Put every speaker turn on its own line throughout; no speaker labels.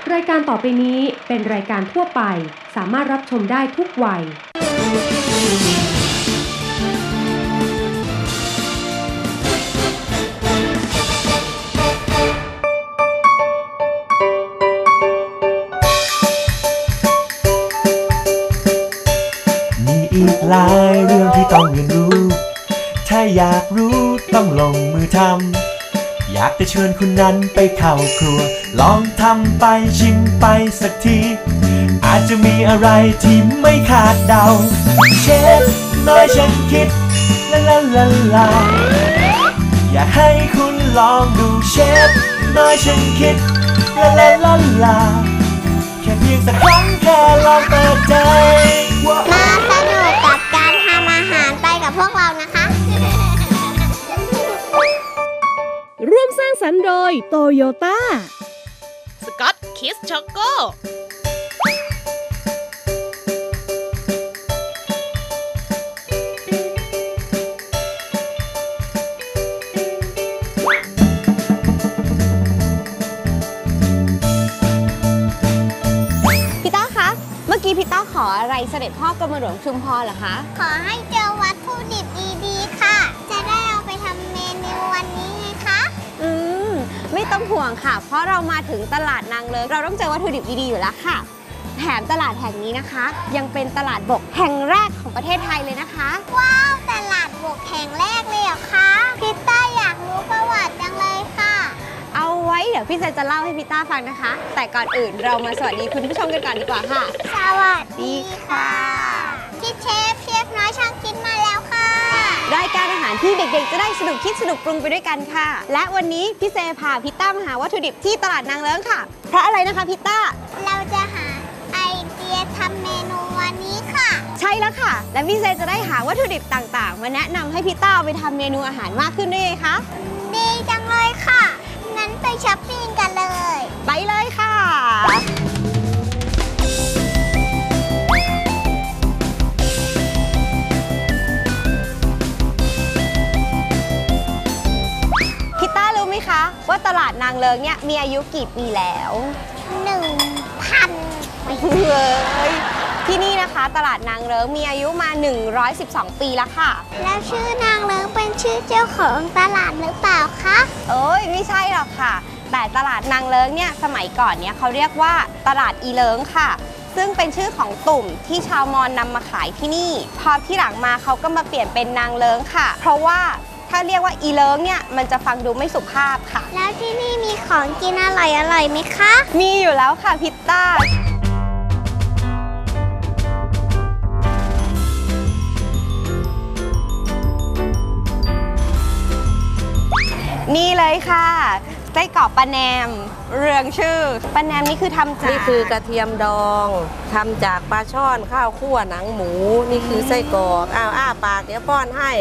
รายการต่อไปนี้เป็นรายการทั่วไปสามารถรับชมได้ทุกวัย
มีอีกหลายเรื่องที่ต้องเรียนรู้ถ้าอยากรู้ต้องลงมือทำอยากจะเชิญคุณนั้นไปเข้าครัวลองทำไปชิมไปสักทีอาจจะมีอะไรที่ไม่คาดเดาเชฟน้อยฉันคิดลาลาลาลาอยากให้คุณลองดูเชฟน้อยฉันคิดลาลาลาลาแค่เพียงสักครั้งแค่ลองเปิดใจ
มาสนุกกับการทำอาหารไปกับพวกเรานะคะ
ร่วมสร้างสรรค์โดยโตโยต้า
สกอตคิสช็อกโก
พี่ต้าคะเมื่อกี้พี่ต้าขออะไรเสด็จพ่อกรมหลวงชุมพรเหรอคะ
ขอให้เจอวัตถุดิบดีๆค่ะจะได้เอาไปทำเมนูวันนี้ไงคะ
ไม่ต้องห่วงค่ะเพราะเรามาถึงตลาดนางเลิ้งเราต้องเจอวัตถุดิบดีๆอยู่แล้วค่ะแถมตลาดแห่งนี้นะคะยังเป็นตลาดบกแห่งแรกของประเทศไทยเลยนะคะ
ว้าวตลาดบกแห่งแรกเลยเหรอคะพี่ต้าอยากรู้ประวัติจังเลยค่ะ
เอาไว้เดี๋ยวพี่เซนจะเล่าให้พี่ต้าฟังนะคะแต่ก่อนอื่นเรามาสวัสดีคุณผู้ชมกันก่อนดีกว่าค่ะ
สวัสดีค่ะพี่เชฟน้อยช่างคิดมาแล้วค่ะ
รายการอาหารที่เด็กๆจะได้สนุกคิดสนุกปรุงไปด้วยกันค่ะและวันนี้พี่เซพาพี่ต้ามาหาวัตถุดิบที่ตลาดนางเลิ้งค่ะเพราะอะไรนะคะพี่ต้า
เราจะหาไอเดียทำเมนูวันนี้ค่ะ
ใช่แล้วค่ะและพี่เซจะได้หาวัตถุดิบต่างๆมาแนะนำให้พี่ต้าเอาไปทำเมนูอาหารมากขึ้นด้วยคะ
ดีจังเลยค่ะงั้นไปช้อปปิ้งกันเลย
ไปเลยค่ะว่าตลาดนางเลิ้งเนี่ยมีอายุกี่ปีแล้ว
1,000 ปี
เลยที่นี่นะคะตลาดนางเลิ้งมีอายุมา112 ปีแล้วค่ะ
แล้วชื่อนางเลิ้งเป็นชื่อเจ้าของตลาดหรือเปล่าคะ
เอ้ยไม่ใช่หรอกค่ะแต่ตลาดนางเลิ้งเนี่ยสมัยก่อนเนี่ยเขาเรียกว่าตลาดอีเลิ้งค่ะซึ่งเป็นชื่อของตุ่มที่ชาวมอญนำมาขายที่นี่พอที่หลังมาเขาก็มาเปลี่ยนเป็นนางเลิ้งค่ะเพราะว่าถ้าเรียกว่าอีเลิ้งเนี่ยมันจะฟังดูไม่สุภาพค่ะ
แล้วที่นี่มีของกินอร่อยไหมคะ
มีอยู่แล้วค่ะพิตต้านี่เลยค่ะไส้กรอกปลาแหนมเรืองชื่อปลาแหนมนี่คือทำจาก
นี่คือกระเทียมดองทำจากปลาช่อนข้าวคั่วหนังหมูนี่คือไส้กรอกอ้าปากเดี๋ยวป้อนให้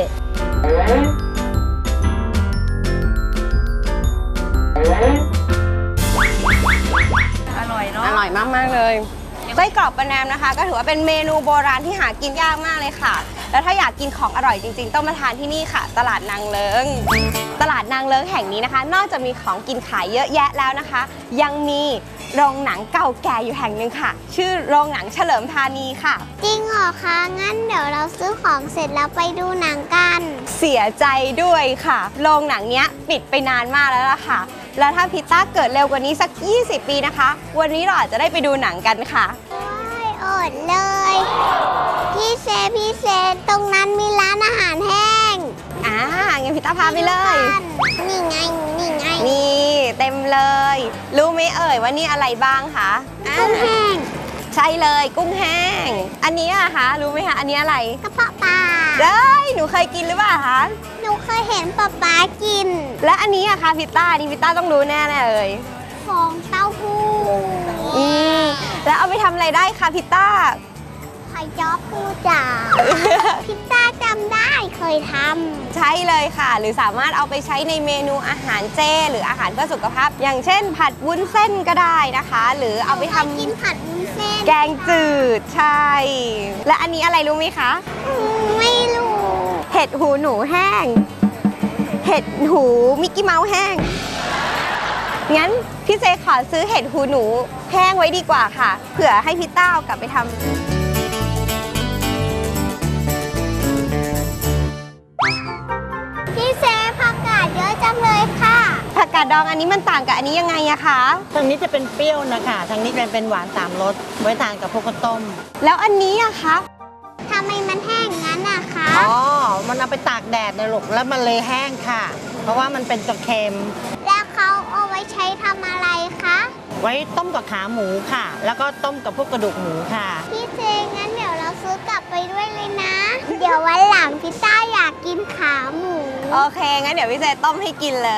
อร่อยเนาะอร่อยมากๆเลยไส้กรอกปลาแหนมนะคะก็ถือว่าเป็นเมนูโบราณที่หากินยากมากเลยค่ะแล้วถ้าอยากกินของอร่อยจริงๆต้องมาทานที่นี่ค่ะตลาดนางเลิ้งตลาดนางเลิ้งแห่งนี้นะคะนอกจากมีของกินขายเยอะแยะแล้วนะคะยังมีโรงหนังเก่าแก่อยู่แห่งหนึ่งค่ะชื่อโรงหนังเฉลิมธานีค่ะ
จริงเหรอคะงั้นเดี๋ยวเราซื้อของเสร็จแล้วไปดูหนังกัน
เสียใจด้วยค่ะโรงหนังเนี้ยปิดไปนานมากแล้วล่ะค่ะแล้วถ้าพิต้าเกิดเร็วกว่านี้สัก20 ปีนะคะวันนี้เราอาจจะได้ไปดูหนังกันค่ะ
อดเลยพี่เซตรงนั้นมีร้านอาหารแห้ง
งั้นพิต้าพาไปเลย
นี่ไง
นี่เต็มเลยรู้ไหมเอ่ยว่านี่อะไรบ้างคะ
กุ้งแห้ง
ใช่เลยกุ้งแห้งอันนี้อะคะรู้ไหมคะอันนี้อะไร
กระเพาะปลา
หนูเคยกินหรือเปล่าคะ
หนูเคยเห็นป๊ากิน
และอันนี้อะคะพิต้าต้องรู้แน่เลย
ฟองเต้าหู้
แล้วเอาไปทำอะไรได้คะพิต้า
ไข่จ๊อบปูจ๋าพิต้าจำได้เคยทำ
ใช่เลยค่ะหรือสามารถเอาไปใช้ในเมนูอาหารเจหรืออาหารเพื่อสุขภาพอย่างเช่นผัดวุ้นเส้นก็ได้นะคะหรือเอาไปทำ
กินผัดวุ้นเส้น
แกงจืดใช่และอันนี้อะไรรู้ไหมคะ
ไม่รู้
เห็ดหูหนูแห้งเห็ดหูมิกกี้เมาส์แห้งงั้นพี่เจขอซื้อเห็ดหูหนูแห้งไว้ดีกว่าค่ะ เผื่อให้พี่ต้าเอากลับไปทำ
พี่เซผักกาดเยอะจังเลยค่ะ
ผักกาดดองอันนี้มันต่างกับอันนี้ยังไงอะคะ
ทางนี้จะเป็นเปรี้ยวนะคะทางนี้เป็นหวาน3 รสไว้ทานกับพวกข้าวต้ม
แล้วอันนี้อะคะ
ทำไมมันแห้งงั้นอะคะ
อ๋อ มันเอาไปตากแดดนะลูกแล้วมันเลยแห้งค่ะ เพราะว่ามันเป็นจะเค็ม
แล้วเขาเอาไว้ใช้ทำอะไรคะ
ไว้ต้มกับขาหมูค่ะ แล้วก็ต้มกับพวกกระดูกหมูค่ะ
พี่เจงั้นเดี๋ยวเราซื้อกลับไปด้วยเลยนะ เดี๋ยววันหลังพี่ต้าอยากกินขาหมู
โอเค งั้นเดี๋ยวพี่เจต้มให้กินเลย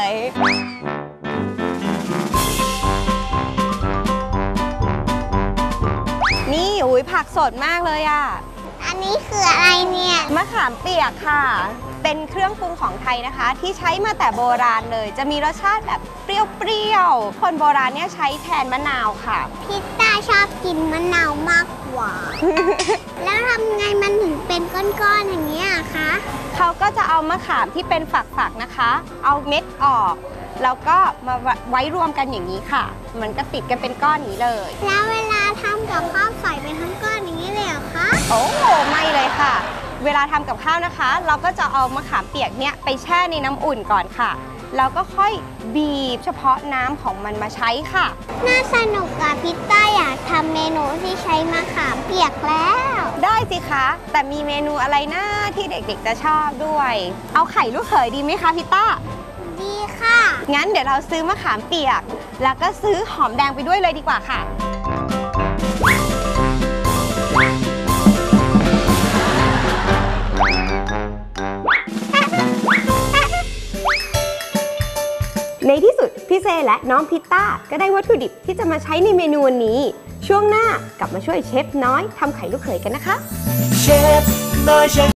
นี่อุ้ยผักสดมากเลยอะ
อันนี้คืออะไรเนี่ย
มะขามเปียกค่ะ เป็นเครื่องปรุงของไทยนะคะ ที่ใช้มาแต่โบราณเลย จะมีรสชาติแบบเปรี้ยวๆ คนโบราณเนี่ยใช้แทนมะนาวค่ะ
พี่ต้าชอบกินมะนาวมากกว่า แล้วทำไงมันถึงเป็นก้อนๆอย่างนี้ยอะคะ
เขาก็จะเอามะขามที่เป็นฝักๆนะคะ เอาเม็ดออก แล้วก็มาไว้รวมกันอย่างนี้ค่ะ มันก็ติดกันเป็นก้อนนี้เลย
แล้วเวลาทำกับข้าวใส่ไปทั้งก้อนอย่างนี้เลยเหรอคะ
โอ้ไม่เลยค่ะ เวลาทำกับข้าวนะคะ เราก็จะเอามะขามเปียกเนี่ยไปแช่ในน้ำอุ่นก่อนค่ะ แล้วก็ค่อยบีบเฉพาะน้ำของมันมาใช้ค่ะ
น่าสนุกอะพี่ต้าอยากทำเมนูที่ใช้มะขามเปียกแล้ว
ได้สิคะ แต่มีเมนูอะไรนะที่เด็กๆจะชอบด้วย เอาไข่ลูกเขยดีไหมคะพี่ต้า
ดีค่ะ
งั้นเดี๋ยวเราซื้อมะขามเปียก แล้วก็ซื้อหอมแดงไปด้วยเลยดีกว่าค่ะ ในที่สุดพี่เซและน้องพิตต้าก็ได้วัตถุดิบที่จะมาใช้ในเมนูวันนี้ ช่วงหน้ากลับมาช่วยเชฟน้อยทำไข่ลูกเขยกันนะคะ
เชฟน้อยเชฟ